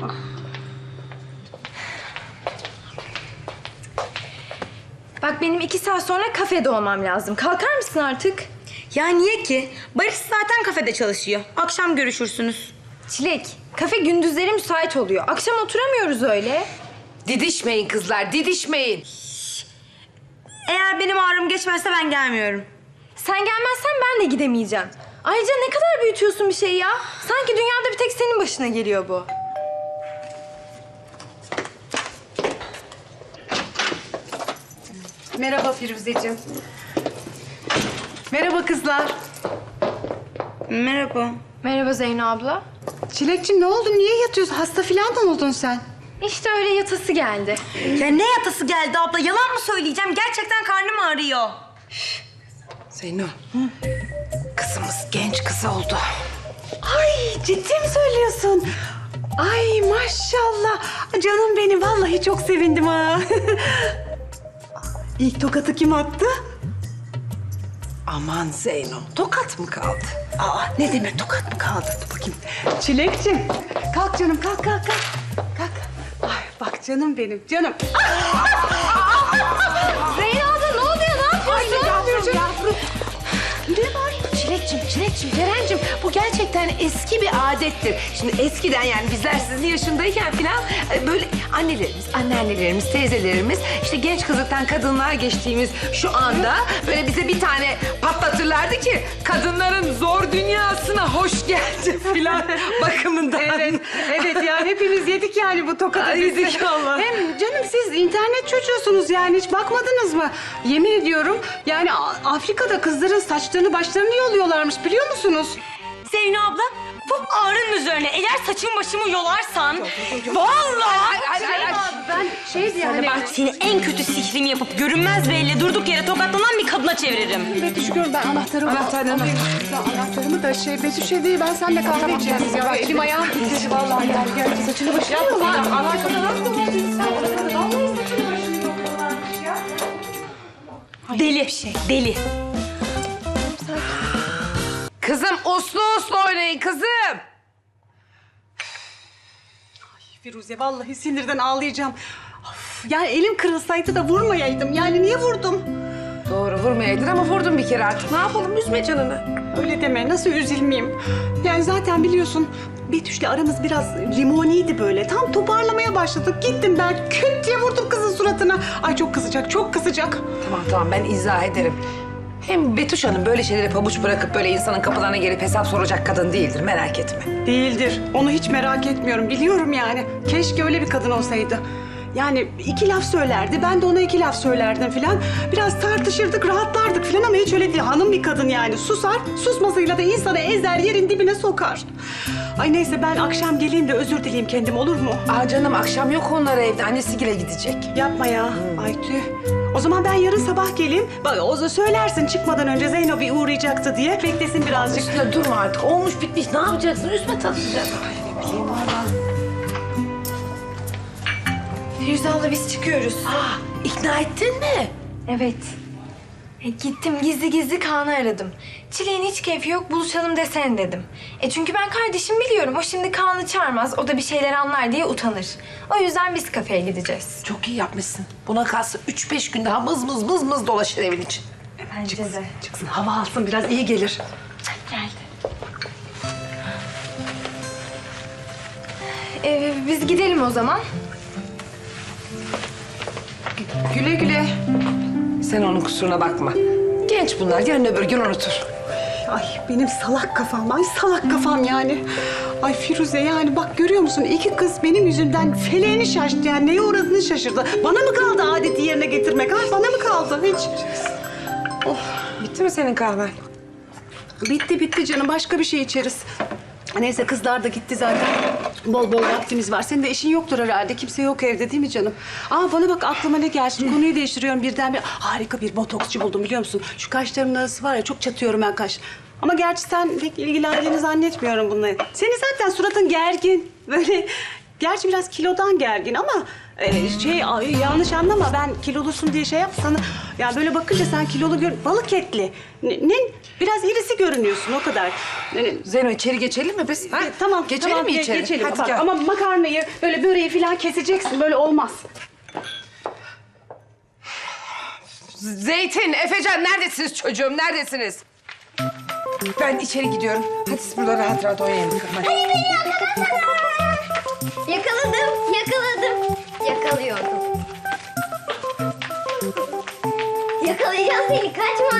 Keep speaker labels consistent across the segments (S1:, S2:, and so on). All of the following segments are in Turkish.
S1: Bak benim 2 saat sonra kafede olmam lazım. Kalkar mısın artık?
S2: Ya niye ki? Barış zaten kafede çalışıyor. Akşam görüşürsünüz.
S1: Çilek, kafe gündüzleri müsait oluyor. Akşam oturamıyoruz öyle.
S3: Didişmeyin kızlar, didişmeyin.
S2: Eğer benim ağrım geçmezse ben gelmiyorum.
S1: Sen gelmezsen ben de gidemeyeceğim. Ayrıca ne kadar büyütüyorsun bir şeyi ya. Sanki dünyada bir tek senin başına geliyor bu.
S4: Merhaba Firuzeciğim. Merhaba kızlar.
S2: Merhaba.
S1: Merhaba Zeyno abla.
S4: Çilekciğim ne oldu? Niye yatıyorsun? Hasta falan mı oldun sen?
S1: İşte öyle yatası geldi.
S2: Ya ne yatası geldi abla? Yalan mı söyleyeceğim? Gerçekten karnım ağrıyor.
S3: Zeyno, kızımız genç kız oldu.
S4: Ay ciddi mi söylüyorsun? Ay maşallah. Canım benim vallahi çok sevindim ha. İlk tokatı kim attı?
S3: Aman Zeyno, tokat mı kaldı?
S4: Aa ne demek tokat mı kaldı? Dur bakayım. Çilekciğim kalk canım kalk kalk kalk. Kalk. Ay bak canım benim canım.
S1: Zeyno abla ne oluyor? Ne yapıyorsun?
S4: Yavrum. Ne var?
S3: Çilekciğim, Ceren'cim bu gerçekten eski bir adettir. Şimdi eskiden yani bizler sizin yaşındayken falan böyle annelerimiz, anneannelerimiz, teyzelerimiz işte genç kızlıktan kadınlığa geçtiğimiz şu anda böyle bize bir tane patlatırlardı ki kadınların zor dünyasına hoş geldin falan bakımından.
S4: Evet ya hepimiz yedik yani bu tokadı.
S3: Ay, yedik Allah.
S4: Hem canım siz internet çocuğusunuz yani hiç bakmadınız mı? Yemin ediyorum yani Afrika'da kızların saçlarını başlarını yoluyorlarmış biliyor musunuz?
S2: Zeyno abla, bu ağrının üzerine eğer saçımı başımı yolarsan... Vallahi...
S4: Ben yani...
S2: Bak seni en kötü sihrimi yapıp görünmez bir elle durduk yere tokatlanan bir kadına çeviririm.
S4: Betüş gör ben anahtarımı da Betüş'e değil ben seninle kahve içeceğiz ya. Elim ayağım titredi vallahi yani. Gel saçını başını yapma.
S2: Deli, deli.
S3: Kızım uslu uslu oynayın kızım.
S4: Firuze vallahi sinirden ağlayacağım. Of, yani elim kırılsaydı da vurmayaydım. Yani niye vurdum?
S3: Doğru vurmayaydın ama vurdun bir kere artık. Ne yapalım üzme canını.
S4: Öyle deme nasıl üzülmeyeyim. Yani zaten biliyorsun Betüş'le aramız biraz limoniydi böyle. Tam toparlamaya başladık. Gittim ben küt diye vurdum kızın suratına. Ay çok kızacak çok kızacak.
S3: Tamam ben izah ederim. Hem Betüş Hanım böyle şeylere pabuç bırakıp böyle insanın kapılarına gelip hesap soracak kadın değildir merak etme.
S4: Değildir. Onu hiç merak etmiyorum. Biliyorum yani. Keşke öyle bir kadın olsaydı. Yani 2 laf söylerdi. Ben de ona 2 laf söylerdim filan. Biraz tartışırdık, rahatlardık filan ama hiç öyle değil. Hanım bir kadın yani. Susar, susmasıyla da insanı ezer, yerin dibine sokar. Ay neyse ben akşam geleyim de özür dileyeyim kendim olur mu?
S3: Aa canım akşam yok onlar evde. Annesiyle gidecek.
S4: Yapma ya. Ay tüh. O zaman ben yarın sabah geleyim. Bak o söylersin çıkmadan önce Zeyno bir uğrayacaktı diye. Beklesin birazcık.
S3: Üstüne durma artık. Olmuş bitmiş. Ne yapacaksın? Üstüne tanışacak.
S1: Firuze abla biz çıkıyoruz.
S3: İkna ettin mi?
S1: Evet. Gittim gizli gizli Kaan'ı aradım. Çileğin hiç keyfi yok buluşalım desene dedim. Çünkü ben kardeşim biliyorum. O şimdi Kaan'ı çağırmaz. O da bir şeyler anlar diye utanır. O yüzden biz kafeye gideceğiz.
S3: Çok iyi yapmışsın. Buna kalsa 3-5 gün daha mız mız dolaşır evin için.
S1: Bence de.
S4: Çıksın hava alsın biraz iyi gelir.
S1: Geldi. Biz gidelim o zaman.
S3: Güle güle. Sen onun kusuruna bakma. Genç bunlar. Yarın öbür gün unutur.
S4: Ay benim salak kafam, ay salak kafam yani. Ay Firuze yani bak görüyor musun 2 kız benim yüzümden feleğini şaştı yani neye uğradığını şaşırdı. Bana mı kaldı adeti yerine getirmek ha? Bana mı kaldı hiç?
S3: Bitti mi senin kahven?
S4: Bitti canım başka bir şey içeriz. Neyse kızlar da gitti zaten. Bol bol vaktimiz var. Senin de işin yoktur herhalde. Kimse yok evde değil mi canım? Aa bana bak aklıma ne geldi. Konuyu değiştiriyorum birden. Harika bir botoksçu buldum biliyor musun? Şu kaşlarımın arası var ya çok çatıyorum ben kaş. Ama gerçi sen pek ilgilendiğini zannetmiyorum bununla. Senin zaten suratın gergin. Böyle Gerçi biraz kilodan gergin ama yanlış anlama, ben kilolusun diye şey yapsana. Ya böyle bakınca sen kilolu balık etli. Biraz irisi görünüyorsun o kadar.
S3: Zeyno içeri geçelim mi biz? Ha?
S4: Tamam.
S3: Geçelim
S4: tamam,
S3: mi içeri?
S4: Geçelim.
S3: Hadi
S4: Bak,
S3: gel.
S4: ama makarnayı, böyle böreği falan keseceksin. Böyle olmaz.
S3: Zeytin, Efecan neredesiniz çocuğum? Neredesiniz? Ben içeri gidiyorum. Hadi siz burada rahat rahat oynayın bakalım. Hadi.
S5: Hayır beni yakalasana. Yakaladım. Yakalıyordum. Yakalayacağım seni, kaçma.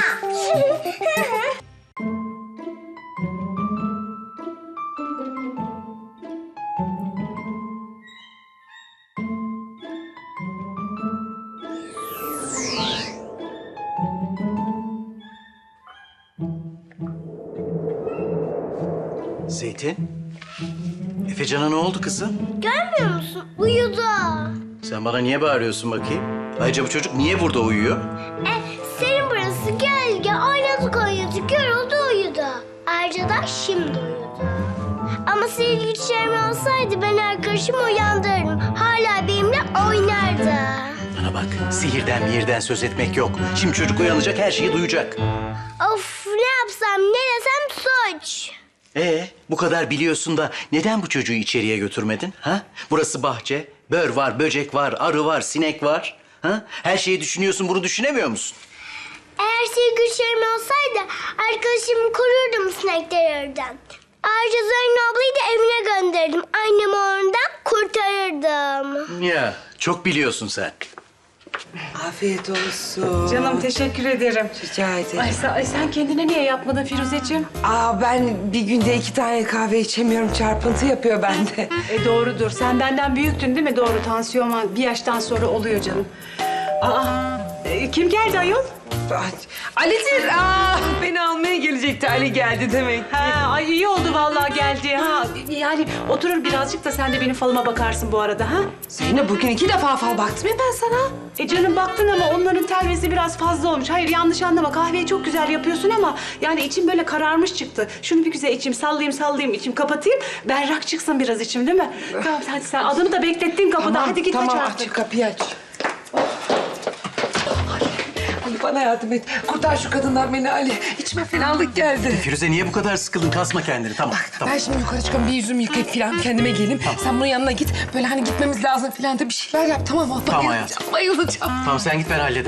S6: Zeytin? Efecan'a ne oldu kızım?
S5: Görmüyor musun? Uyudu.
S6: Sen bana niye bağırıyorsun bakayım? Ayrıca bu çocuk niye burada uyuyor?
S5: Senin burası gölge. Oynadık yoruldu uyudu. Ayrıca da şimdi uyudu. Ama sihirli güçlerim olsaydı ben arkadaşımı uyandırırdım. Hala benimle oynardı.
S6: Bana bak, sihirden mihirden söz etmek yok. Şimdi çocuk uyanacak, her şeyi duyacak.
S5: Of, ne yapsam ne desem suç.
S6: Bu kadar biliyorsun da neden bu çocuğu içeriye götürmedin? Ha? Burası bahçe, bör var, böcek var, arı var, sinek var. Ha? Her şeyi düşünüyorsun, bunu düşünemiyor musun?
S5: Eğer sihirli güçlerim olsaydı arkadaşımı korurdum sineklerden. Ayrıca Zeyno ablayı da evine gönderdim. Annemi oradan kurtarırdım.
S6: Ya, çok biliyorsun sen.
S3: Afiyet olsun.
S4: Canım teşekkür ederim.
S3: Rica ederim.
S4: Ay sen kendine niye yapmadın Firuzeciğim?
S3: Ben bir günde 2 tane kahve içemiyorum. Çarpıntı yapıyor bende.
S4: Doğrudur. Sen benden büyüktün değil mi? Doğru. Tansiyon bir yaştan sonra oluyor canım. Kim geldi ayol?
S3: Ali'dir. Beni almaya gelecekti. Ali geldi demek.
S4: Ay iyi oldu vallahi geldi. Yani oturur birazcık da sen de benim falıma bakarsın bu arada ha?
S3: Zeynep bugün 2 defa fal baktım ya ben sana.
S4: Canım baktın ama onların telvesi biraz fazla olmuş. Hayır yanlış anlama, kahveyi çok güzel yapıyorsun ama yani içim böyle kararmış çıktı. Şunu bir güzel içim sallayayım içim kapatayım. Berrak çıksın biraz içim değil mi? Tamam hadi sen adamı da beklettin kapıda. Hadi git aç
S3: tamam,
S4: artık.
S3: aç kapıyı aç. Ali bana yardım et. Kurtar şu kadından beni Ali. İçime fenalık geldi.
S6: Firuze niye bu kadar sıkıldın? Kasma kendini. Tamam, tamam.
S3: Ben şimdi yukarı çıkıyorum, bir yüzümü yıkayıp falan kendime geleyim. Sen bunun yanına git. Böyle hani gitmemiz lazım falan da bir şeyler yap, tamam mı?
S6: Tamam
S3: Bayılacağım,
S6: hayatım.
S3: bayılacağım.
S6: Tamam sen git ben hallederim.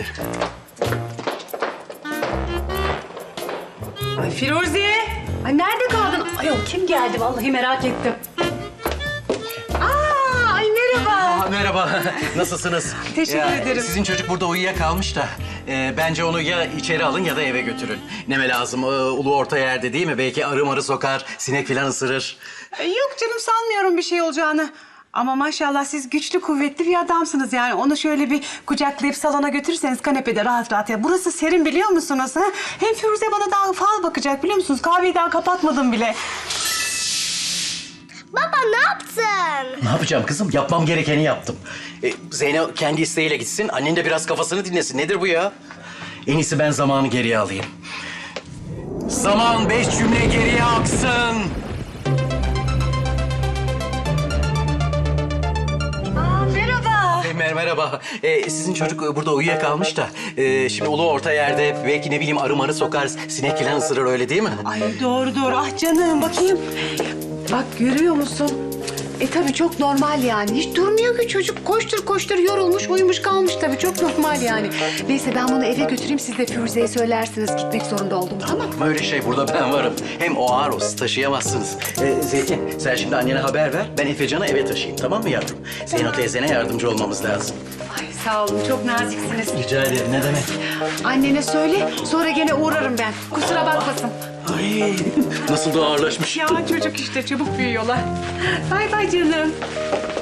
S4: Ay Firuze! Ay nerede kaldın? Ayol kim geldi vallahi merak ettim. Ay merhaba.
S6: Merhaba, nasılsınız?
S4: Teşekkür ederim.
S6: Sizin çocuk burada uyuyakalmış da bence onu ya içeri alın ya da eve götürün. Neme lazım? Ulu orta yerde değil mi? Belki arı marı sokar, sinek falan ısırır.
S4: Yok canım sanmıyorum bir şey olacağını. Ama maşallah siz güçlü kuvvetli bir adamsınız yani. Onu şöyle bir kucaklayıp salona götürürseniz kanepede rahat rahat ya. Burası serin biliyor musunuz? Ha? Hem Firuze bana daha fal bakacak biliyor musunuz? Kahveyi daha kapatmadım bile.
S5: Baba ne yaptın?
S6: Ne yapacağım kızım? Yapmam gerekeni yaptım. Zeynep kendi isteğiyle gitsin. Annen de biraz kafasını dinlesin. Nedir bu ya? En iyisi ben zamanı geriye alayım. Zaman 5 cümle geriye aksın.
S5: Merhaba.
S6: Merhaba. Sizin çocuk burada uyuyakalmış da şimdi ulu orta yerde belki ne bileyim arı marı sokar, sinek falan ısırır öyle değil mi?
S4: Ay doğru. Ah canım bakayım. Bak görüyor musun? Tabii çok normal yani. Hiç durmuyor ki çocuk. Koştur yorulmuş, uyumuş kalmış tabii. Çok normal yani. Neyse ben bunu eve götüreyim. Siz de Firuze'ye söylersiniz gitmek zorunda oldum tamam mı?
S6: Öyle şey burada ben varım. Hem o ağır o siz taşıyamazsınız. Zeytin sen şimdi annene haber ver. Ben Efecan'ı eve taşıyayım tamam mı yavrum? Zeyno teyzene yardımcı olmamız lazım.
S4: Ay sağ olun. Çok naziksiniz.
S6: Rica ederim ne demek?
S4: Annene söyle. Sonra gene uğrarım ben. Kusura bakmasın.
S6: Ay nasıl da ağırlaşmış.
S4: Ya çocuk işte çabuk büyüyorlar. Bay bay canım.